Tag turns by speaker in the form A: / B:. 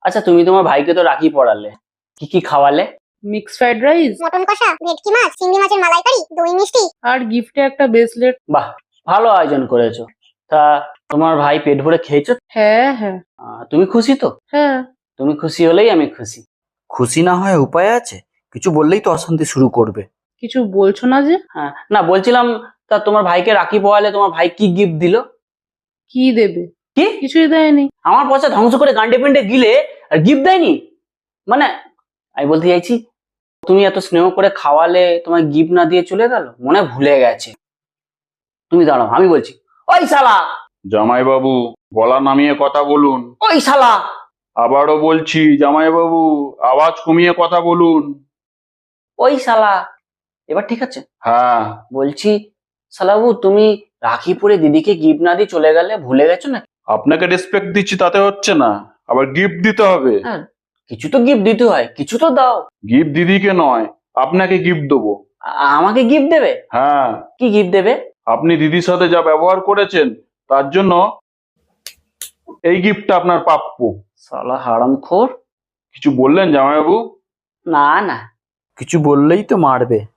A: আচ্ছা, তুমি তোমার ভাইকে তো রাখি পড়ালে, কি কি খাওয়ালে?
B: মিক্স ফ্রাইড রাইস
C: মটন কষা, ভেটকি মাছ, চিংড়ি মাছের মালাইকারি, দই মিষ্টি।
B: আর গিফটে একটা ব্রেসলেট।
A: বাহ, ভালো আয়োজন করেছো। তা তোমার ভাই পেট ভরে খেয়েছো?
B: হ্যাঁ হ্যাঁ
A: তুমি খুশি তো?
B: হ্যাঁ।
A: তুমি খুশি হলেই আমি খুশি। খুশি না হয় উপায় আছে? কিছু বললেই তো অশান্তি শুরু করবে।
B: কিছু বলছো না যে?
A: হ্যাঁ, না বলছিলাম, তা তোমার ভাইকে রাখি পড়ালে, তোমার ভাই কি গিফট দিল?
B: কি দেবে?
A: কি?
B: কিছুই দেয়নি।
A: আমার পয়সা ধ্বংস করে গান্ডে পিন্ডে গিলে আর গিফট দেয়নি? মানে আমি বলতে চাইছি, তুমি এত স্নেহ করে খাওয়ালে, তোমার গিফট না দিয়ে চলে গেল, মনে হয় ভুলে গেছে। তুমি দাঁড়াও, আমি বলছি। ওই শালা!
D: জামাইবাবু, গলা নামিয়ে কথা বলুন।
A: ওই শালা!
D: আবারও বলছি জামাইবাবু, আওয়াজ কমিয়ে কথা বলুন।
A: ওই শালা! এবার ঠিক আছে?
D: হ্যাঁ।
A: বলছি, শালাবু, তুমি রাখি পরে দিদিকে গিফট না দিয়ে চলে গেলে, ভুলে গেছো না?
D: আপনাকে রেসপেক্ট দিচ্ছি তাতে হচ্ছে না, আবার গিফট দিতে হবে।
A: হ্যাঁ, কিছু তো গিফট দিতে হয়, কিছু তো দাও।
D: গিফট দিদিকে নয়, আপনাকে গিফট দেবো।
A: আমাকে গিফট দেবে?
D: হ্যাঁ।
A: কি গিফট দেবে?
D: আপনি দিদির সাথে যা ব্যবহার করেছেন তার জন্য এই গিফটটা আপনার প্রাপ্য।
A: শালা হারামখোর!
D: কিছু বললেন জামাইবাবু?
A: না না, কিছু বললেই তো মারবে।